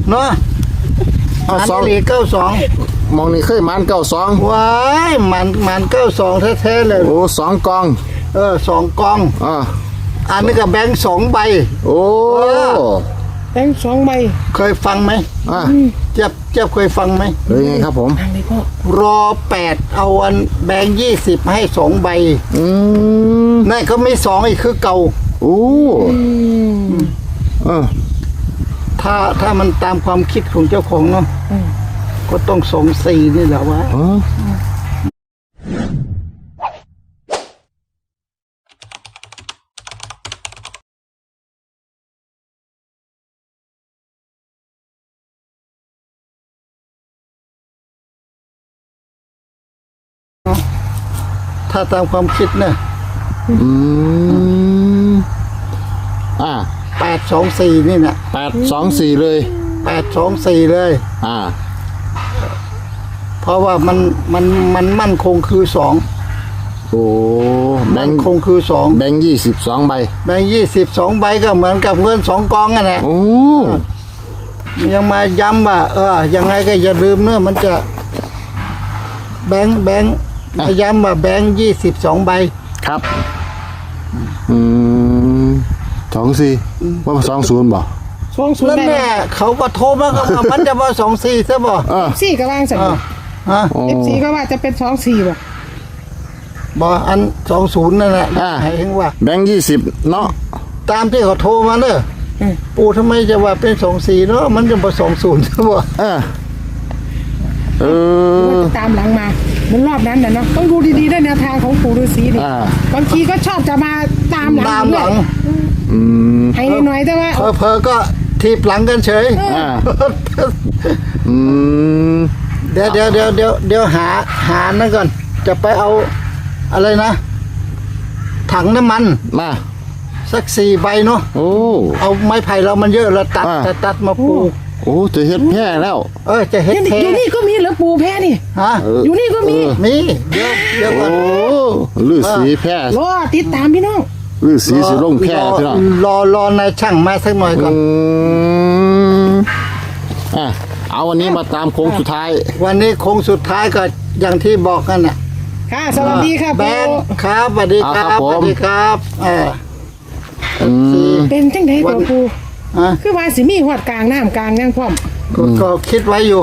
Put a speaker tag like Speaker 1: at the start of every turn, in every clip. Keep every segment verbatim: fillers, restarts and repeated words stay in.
Speaker 1: เนาะ
Speaker 2: เอาสอง
Speaker 1: อันนี้เก้าสอง
Speaker 2: มองนี่เคยมันเก้าสอง
Speaker 1: ว้ายมันมันเก้าสองแท้ๆเลย
Speaker 2: โอ้สองกอง
Speaker 1: เออสองกอง
Speaker 2: อ่า
Speaker 1: อันนี้ก็แบงค์สองใบ
Speaker 2: โอ้
Speaker 3: แบงค์สองใบ
Speaker 1: เคยฟังไหม
Speaker 2: อ่า
Speaker 1: เจ็บเจ็บเคยฟังไหม
Speaker 2: เฮ้ยไงครับผม
Speaker 1: รอแปดเอาอันแบงค์ยี่สิบให้สองใบ
Speaker 2: อืม
Speaker 1: นั่นเขาไม่สองอีกคือเก่า
Speaker 2: โอ้เออ
Speaker 1: ถ้าถ้ามันตามความคิดของเจ้าของเนาะก็ต้องสองสี่นี่แหละวะถ้าตามความคิดเนี่ย
Speaker 2: อืมอ่า
Speaker 1: แปดสองสี่นี่นะ
Speaker 2: แปดสองสี่เลย
Speaker 1: แปดสองสี่เลย
Speaker 2: อ่า
Speaker 1: เพราะว่ามันมันมันมั่นคงคือสอง
Speaker 2: โอ้แบง
Speaker 1: ค์คงคือสอง
Speaker 2: แบงค์ยี่สิบสองใบ
Speaker 1: แบงค์ยี่สิบสองใบก็เหมือนกับเงินสองกองนั่นแหละ
Speaker 2: โอ้
Speaker 1: ยังมาย้ำว่าเออยังไงก็อย่าลืมเนอะมันจะแบงค์แบงค์มาย้ำว่าแบงค์ยี่สิบสองใบ
Speaker 2: ครับอืมสองสี่ว่าสองศูนย์บ่
Speaker 3: สองศูนย์
Speaker 1: นั่นแหละเขาก็โทรมาก็ว่ามันจะว่าสองสี่ใช่บ่
Speaker 3: สี่ก็ว่างสั่ง
Speaker 1: ฮะ
Speaker 3: เอฟซีก็ว่าจะเป็นสองสี่บ่
Speaker 1: บ่อันสองศูนย์นั่นแหละให้เห็นว่า
Speaker 2: แบงค์ยี่สิบเนาะ
Speaker 1: ตามที่เขาโทรมาเนอะปู่ทำไมจะว่าเป็นสองสี่เนาะมันจะมาสองศูนย์ใช่บ่
Speaker 2: เออเออ
Speaker 3: ตามหลังมาเหมือนรอบนั้นน่ะเนาะต้องดูดีๆด้วยแนวทางของปู่ฤาษีนี่บางทีก็ชอบจะมาตามหลัง
Speaker 1: ตามหลัง
Speaker 2: อืม
Speaker 3: ให้หน่อยแต่ว่า
Speaker 1: เพอๆก็ทีบหลังกันเฉย
Speaker 2: อ่าอืม
Speaker 1: เดี๋ยวเดี๋ยวเดี๋ยวเดี๋ยวเดี๋ยวหาหานั่นก่อนจะไปเอาอะไรนะถังน้ำมัน
Speaker 2: มา
Speaker 1: สักสี่ใบเนาะ
Speaker 2: โอ้
Speaker 1: เอาไม้ไผ่เรามันเยอะเราตัดตัดตัดมาปู
Speaker 2: โอ้จะเฮ็ดแพร่แล้ว
Speaker 1: เออจะเฮ็ดแพร่
Speaker 3: อยู่นี่ก็มีเหรอปูแพร่นี่
Speaker 1: ฮะ
Speaker 3: อยู่นี่ก็มี
Speaker 1: มีเยอะเยอะกว่า
Speaker 2: โอ้ฤาษีแพร่
Speaker 3: รอติดตามพี่น้อง
Speaker 2: ฤาษีสิลงแพร่พี่น้อง
Speaker 1: รอรอนายช่างมาสักหน่อยก่อน
Speaker 2: อ่ะเอาวันนี้มาตามโค้งสุดท้าย
Speaker 1: วันนี้โค้งสุดท้ายก็อย่างที่บอกกันน่ะ
Speaker 3: ค่ะสวัสดีครับ
Speaker 1: แบงค์ครับสวัสดีครับสวัสดีครับเออ
Speaker 3: เป็นจังได๋บ่ปูคือว่าสิมีฮอดกลางน้ำกลางยังพร้อม
Speaker 1: ก็คิดไว้อยู่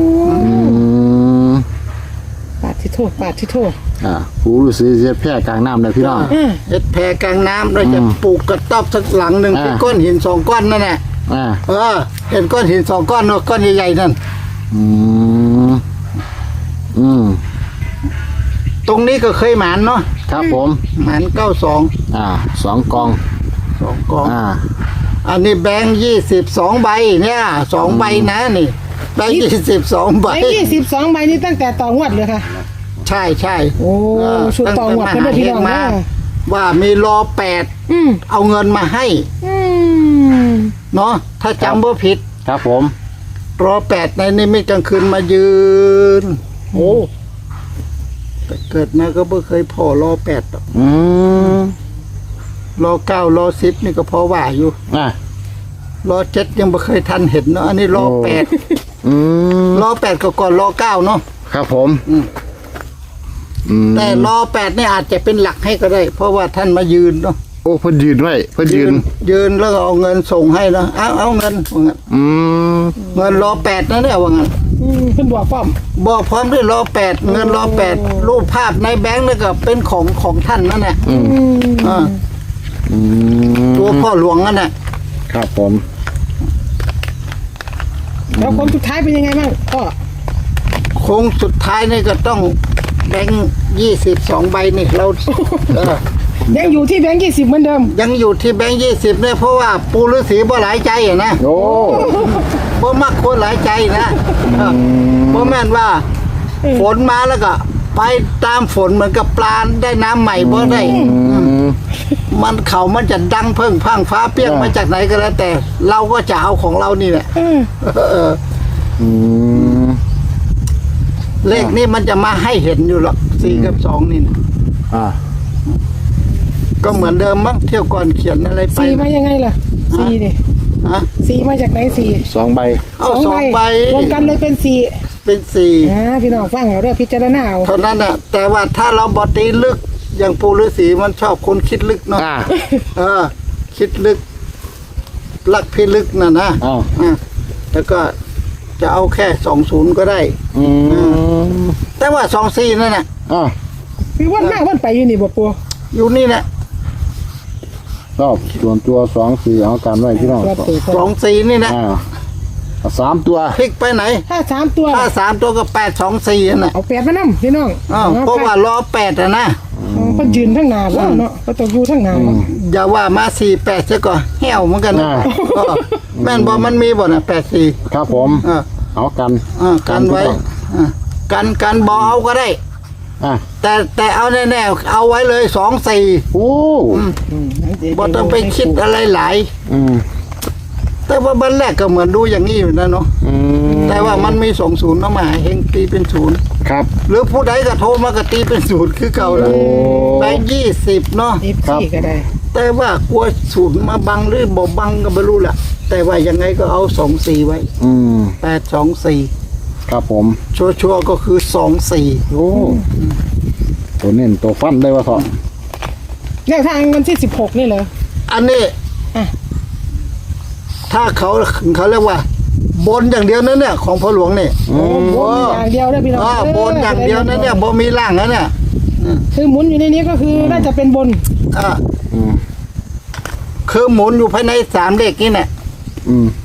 Speaker 3: ปาดที่โทษปาดที่โทษ
Speaker 2: อ่าปู่ฤาษีเฮ็ดแพร่กลางน้ำเลยพี่น้อง
Speaker 1: เฮ็ดแพร่กลางน้ำเราจะปลูกกระต๊อบสักหลังหนึ่งเป็นก้อนหินสองก้อนนั่นแหละเออเห็นก้อนหินสองก้อนเนาะก้อนใหญ่ๆนั่น
Speaker 2: อืมอืม
Speaker 1: ตรงนี้ก็เคยหมานเนาะ
Speaker 2: ครับผม
Speaker 1: หมานเก้าสอง
Speaker 2: อ่าสองกอง
Speaker 1: สองกอง
Speaker 2: อ่า
Speaker 1: อันนี้แบงค์ยี่สิบสองใบเนี่ยสองใบนะนี่แบงค์ยี่สิบสองใบ
Speaker 3: แบงค์ยี่สิบสองใบนี่ตั้งแต่ต่องวดเลยค่ะ
Speaker 1: ใช่ใช่
Speaker 3: โอ้ชุดต่องวดเป็นพี่น้องมา
Speaker 1: ว่ามีรอแปดเอาเงินมาให้เนาะถ้าจำว่าผิด
Speaker 2: ครับผม
Speaker 1: รอแปดในนิมิตกลางคืนมายืนโอ้แต่เกิดมาก็ไม่เคยพอรอแปด
Speaker 2: อืม
Speaker 1: รอเก้ารอสิบนี่ก็พอว่าอยู่
Speaker 2: อ่ะ
Speaker 1: รอเจ็ดยังไม่เคยทันเห็นเนาะอันนี้รอแปด
Speaker 2: อืม
Speaker 1: รอแปดก็ก่อนรอเก้าเนาะ
Speaker 2: ครับผม
Speaker 1: แต่รอแปดนี่อาจจะเป็นหลักให้ก็ได้เพราะว่าท่านมายืนเนาะ
Speaker 2: โอ้เพิ่นยืนไว้เพิ่นยืน
Speaker 1: ยืนแล้วก็เอาเงินส่งให้นะเอาเอาเงินว่างั้น
Speaker 2: อืม
Speaker 1: เงินรอแปดนะเนี่ยว่างั้น
Speaker 3: เพิ่นบอกพร้อม
Speaker 1: บอกพร้อมด้วยรอแปดเงินรอแปดรูปภาพในแบงค์นี่ก็เป็นของของท่านนั่นแหละอ่าตัวพ่อหลวงนั่นแหละ
Speaker 2: ครับผม
Speaker 3: แล้วโค้งสุดท้ายเป็นยังไงบ้างก็
Speaker 1: โค้งสุดท้ายนี่ก็ต้องแบงค์ยี่สิบสองใบนี่เราเออ
Speaker 3: ยังอยู่ที่แบงค์ยี่สิบเหมือนเดิม
Speaker 1: ยังอยู่ที่แบงค์ยี่สิบเนี่ยเพราะว่าปู่ฤาษีบ่หลายใจอ่ะนะ
Speaker 2: โอ้
Speaker 1: บ่มักคนหลายใจนะบ่แม่นว่าฝนมาแล้วก็ไปตามฝนเหมือนกับปลาได้น้ำใหม่บ่ได้มันเขามันจะดังเพิ่งพังฟ้าเปี้ยงมาจากไหนก็แล้วแต่เราก็จะเอาของเรานี่แหละเลขนี้มันจะมาให้เห็นอยู่หรอกสี่กับสองนี่นะ
Speaker 2: อ่า
Speaker 1: ก็เหมือนเดิมมั้งเที่ยวก่อนเขียนอะไรไป
Speaker 3: สี่มายังไงล่ะสี่ดิ
Speaker 1: ฮะ
Speaker 3: สี่มาจากไหนสี่
Speaker 2: สองใบ
Speaker 1: เอาสองใบ
Speaker 3: รวมกันเลยเป็นสี่
Speaker 1: เป็นสี่
Speaker 3: อ่าพี่น้องฟังเอาเด้อพิจารณาเอา
Speaker 1: เท่านั้นน่ะแต่ว่าถ้าเราบอตีลึกอย่างปู่ฤาษีมันชอบคนคิดลึกเนาะ
Speaker 2: อ่า
Speaker 1: เออ คิดลึกลักพิลึกน่ะนะ
Speaker 2: อ้าว
Speaker 1: อ่ะแล้วก็จะเอาแค่สองศูนย์ก็ได้
Speaker 2: อืม
Speaker 1: แต่ว่าสองสี่นั่นน่ะ
Speaker 2: อ่า
Speaker 3: คือวันมากวันไปอยู่นี่บ่ปัว
Speaker 1: อยู่นี่แหละ
Speaker 2: ชอบส่วนตัวสองสี่เอาการไว้พี่น้อง
Speaker 3: ตัวตัว
Speaker 1: สองสี่นี่นะ
Speaker 2: อ่าเอาสามตัว
Speaker 1: พลิกไปไหน
Speaker 3: ถ้าสามตัว
Speaker 1: ถ้าสามตัวก็แปดสองสี่น่ะ
Speaker 3: เอาแปดมานํพี่น้อง
Speaker 1: อ้าวเพราะว่าล้อแปดอะนะ
Speaker 3: อ๋อเพิ่นยืนทั้งหน้าแล้วเนาะก็ต้องอยู่ทั้งหน้าเนาะ
Speaker 1: อย่าว่ามาสี่แปดซะก่อนเหี่ยวเหมือนกันนะ
Speaker 2: อ่า
Speaker 1: เออแม่นบอกมันมีบ่น่ะแปดสี่
Speaker 2: ครับผม
Speaker 1: เออ
Speaker 2: เอากัน
Speaker 1: เออกันไว้อ่ะกันกันบอเอาก็ได้
Speaker 2: อ่ะ
Speaker 1: แต่แต่เอาแน่ๆเอาไว้เลยสองสี่
Speaker 2: โอ้
Speaker 3: อืม
Speaker 1: บ่ต้องไปคิดอะไรหลาย
Speaker 2: อืม
Speaker 1: แต่ว่าบันแรกก็เหมือนดูอย่างนี้อยู่นะเนาะ
Speaker 2: อืม
Speaker 1: แต่ว่ามันมีสองศูนย์เนาะมาเฮงตีเป็นศูนย์
Speaker 2: ครับ
Speaker 1: หรือผู้ใดก็โทรมาก็ตีเป็นศูนย์คือเก่าแล้ว
Speaker 2: โอ้
Speaker 1: แบงค์ยี่สิบเนาะ
Speaker 3: เอฟซีก็ได้
Speaker 1: แต่ว่ากลัวศูนย์มาบังหรือบ่บังก็ไม่รู้แหละแต่ว่ายังไงก็เอาสองสี่ไว้
Speaker 2: อืม
Speaker 1: แปดสองสี่
Speaker 2: ครับผม
Speaker 1: ชัวร์ๆก็คือสองสี่
Speaker 2: โอ้ตัวเน้นตัวฟันได้ว่าเถอะ
Speaker 3: แนวทางวันที่สิบหกนี่เหรอ
Speaker 1: อันนี้
Speaker 3: อ่ะ
Speaker 1: ถ้าเขาเขาเรียกว่า บนอย่างเดียวนั่นเนี่ยของพ่อหลวงเนี่ย
Speaker 2: อืม
Speaker 3: บนอย่างเดียวได้อพี่น้อง
Speaker 1: อ่าบนอย่างเดียวนั่นเนี่ยบ่มีล่างนั่นเนี่ย
Speaker 3: คือหมุนอยู่ในนี้ก็คือน่าจะเป็นบน
Speaker 1: อ่า
Speaker 2: อืม
Speaker 1: คือหมุนอยู่ภายในสามเลขนี่แหละ
Speaker 2: อืม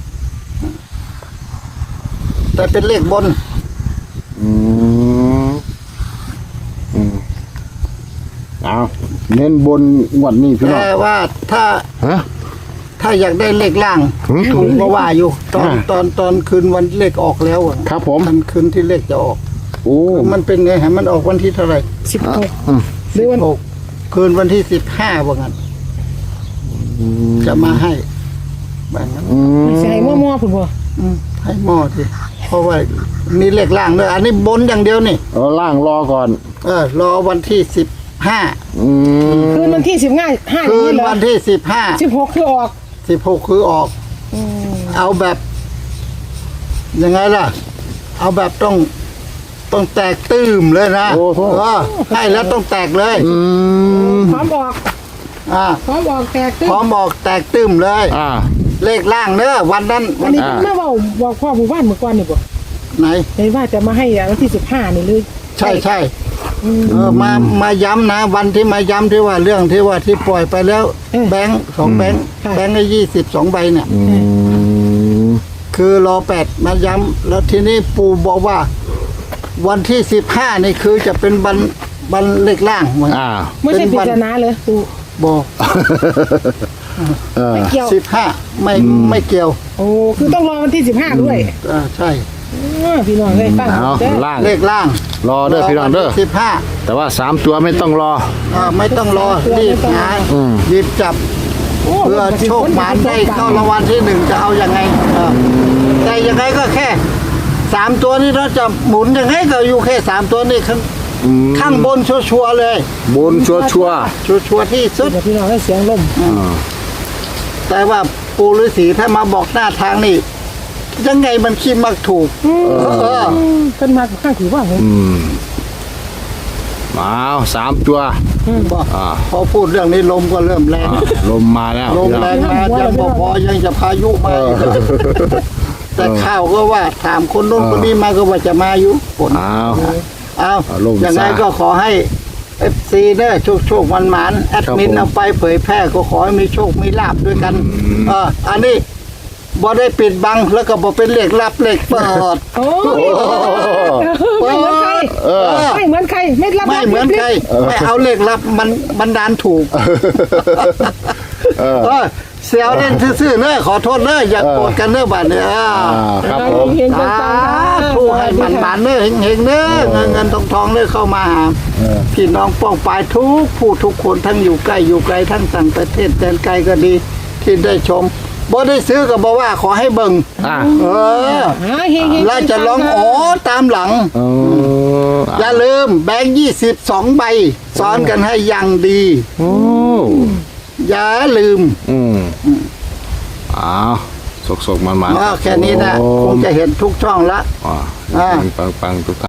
Speaker 1: แต่เป็นเลขบน
Speaker 2: อืมอืมเอาเน้นบนงวดนี้พี่น้อง
Speaker 1: แต่ว่าถ้า
Speaker 2: ฮะ
Speaker 1: ถ้าอยากได้เลขล่าง
Speaker 2: หืม
Speaker 1: ถูกก็ว่าอยู่ ตอน
Speaker 2: อ่า
Speaker 1: ตอนตอนคืนวันเลขออกแล้วอะ
Speaker 2: ครับผม
Speaker 1: ทันคืนที่เลขจะออก
Speaker 2: โอ้
Speaker 1: มันเป็นไงฮะมันออกวันที่เท่าไหร่
Speaker 3: สิบหก
Speaker 2: อืม
Speaker 3: หรือวัน
Speaker 1: หกคืนวันที่สิบห้าว่างั้นจะมาให้แบบนั้น
Speaker 2: อืม
Speaker 3: ใส่มั่วๆผมบ่
Speaker 1: อืมให้หม้อสิเพราะว่านี่เลขล่างด้วยอันนี้บนอย่างเดียวนี่
Speaker 2: เอาล่างรอก่อน
Speaker 1: เออรอวันที่สิบห้า
Speaker 2: อืม
Speaker 3: คืนวันที่สิบห้าห้าอ
Speaker 1: คื
Speaker 3: ย่างนี้
Speaker 1: น
Speaker 3: เหรอ
Speaker 1: วันที่สิบห้า
Speaker 3: สิบหกคือออก
Speaker 1: สิบหกคือออก
Speaker 3: อืม
Speaker 1: เอาแบบยังไงล่ะ เอาแบบต้องต้องแตกตื้มเลยนะ
Speaker 2: โอ้โห
Speaker 1: เออให้แล้วต้องแตกเลย
Speaker 2: อืม
Speaker 3: พร้อมออก
Speaker 1: อ่า
Speaker 3: พร้อมออกแตกตึ้ง
Speaker 1: พร้อมบอกแตกตื้มเลย
Speaker 2: อ่า
Speaker 1: เลขล่างเนอะวันนั้น
Speaker 3: อันนี้
Speaker 2: อ่า
Speaker 3: แม่เว่าบอกพ่อหมู่บ้านเมื่อก่อนนี่บ่
Speaker 1: ไหน
Speaker 3: เห็นว่าจะมาให้วันที่สิบห้านี่เลย
Speaker 1: ใช่ใช่
Speaker 3: อืม
Speaker 1: เออมามาย้ำนะ วันที่มาย้ำที่ว่าเรื่องที่ว่าที่ปล่อยไปแล้ว
Speaker 3: เออ
Speaker 1: แบงค์สองแบงค์
Speaker 3: ค่ะ
Speaker 1: แบงค์ละยี่สิบสองใบเนี่ย
Speaker 2: อืม
Speaker 1: คือรอแปดมาย้ำแล้วทีนี้ปู่บอกว่า วันที่สิบห้านี่คือจะเป็นบันบันเลขล่างเหมือน
Speaker 2: อ่า
Speaker 3: ไม่ใช่ปริศนาเลยกู
Speaker 1: บอก
Speaker 2: เออ
Speaker 3: ไม่เกี่ยว
Speaker 1: สิบห้าไม่ไม่เกี่ยว
Speaker 3: โอ้คือต้องรอวันที่สิบห้าด้วย
Speaker 1: อ่าใช่
Speaker 3: อ้อพี่น้องเลยฟัง
Speaker 2: เอา
Speaker 3: เด้อ
Speaker 2: ล่าง
Speaker 1: เลขล่าง
Speaker 2: รอเด้อพี่น้องเด้อ
Speaker 1: สิบห้า
Speaker 2: แต่ว่าสามตัวไม่ต้องรอ
Speaker 1: อ่าไม่ต้องรอรีบหา
Speaker 2: อืม
Speaker 1: หยิบจับ
Speaker 3: โอ้
Speaker 1: เพื่อโชคหมานได้เข้ารางวัลที่หนึ่งจะเอายังไงเออแต่ยังไงก็แค่สามตัวนี้เราจะหมุนยังไงก็อยู่แค่สามตัวนี้ข้าง
Speaker 2: อืม
Speaker 1: ข้างบนชัวร์ๆเลย
Speaker 2: บนชัวชัวร์
Speaker 1: ชัวร์ๆที่สุด
Speaker 3: เดี๋ยวพี่น้องให้เสียงลม
Speaker 2: ๆอ่า
Speaker 1: แต่ว่าปูฤาษีถ้ามาบอกหน้าทางนี่ยังไงมันคิดมักถูก เออ
Speaker 3: เป็นมาข้างถือว่าผม
Speaker 2: อืมเอาสามตัว
Speaker 1: บอก
Speaker 2: อ่า
Speaker 1: พอพูดเรื่องนี้ลมก็เริ่มแรง
Speaker 2: อ่าลมมาแล้ว
Speaker 1: ลมแรงมายังบอพอยังจะพายุมาอีกแต่ข่าวก็ว่าถามคนโน้นคนนี้มาก็ว่าจะมาอยู่ฝน
Speaker 2: เอา
Speaker 1: เอา
Speaker 2: เอาลม
Speaker 1: อย่างไร
Speaker 2: ซะ
Speaker 1: ก็ขอให้เอฟซีเด้อโชคโชคมันหมานแอดมิน
Speaker 2: ครับผม
Speaker 1: เอาไปเผยแพร่ก็ขอให้มีโชคมีลาบด้วยกันเอออันนี้บ่ได้ปิดบังแล้วก็บ่เป็นเลขลับเลขเปิด
Speaker 3: โอ้ไม่เหมือนใคร
Speaker 2: เออ
Speaker 3: ไม่เหมือนใครไม่รับ
Speaker 1: ไม่เหมือนใครไม่เอาเลขลับมันบันดาลถูก
Speaker 2: เออ
Speaker 1: เออเสียวเล่นซื่อๆเนอะขอโทษเนอะอย่าโกรธกันเนอะบัดเนี่ย
Speaker 2: อ่าครับผม
Speaker 3: เห็น
Speaker 1: สา
Speaker 3: กัน
Speaker 1: ธุให้มันหมานเนอะเฮงๆเนอะเงินเงินทองทองเนอะเข้ามาหา
Speaker 2: เออ
Speaker 1: พี่น้องป้องปายทุกผู้ทุกคนทั้งอยู่ใกล้อยู่ไกลทั้งต่างประเทศแดนไกลก็ดีที่ได้ชมบ่ได้ซื้อก็บอกว่าขอให้เบิ่ง
Speaker 2: อ่า
Speaker 1: เออ
Speaker 3: หาเฮงเฮง
Speaker 1: แล้วจะร้องอ๋อตามหลัง
Speaker 2: เออ
Speaker 1: อย่าลืมแบงค์ยี่สิบสองใบซ้อนกันให้อย่างดี
Speaker 2: โอ้
Speaker 1: อย่าลืม
Speaker 2: อืมเอาสกๆมันๆ
Speaker 1: เออแค่นี้นะคงจะเห็นทุกช่องละ
Speaker 2: อ่า
Speaker 1: อ่า
Speaker 2: ปังๆทุกท่าน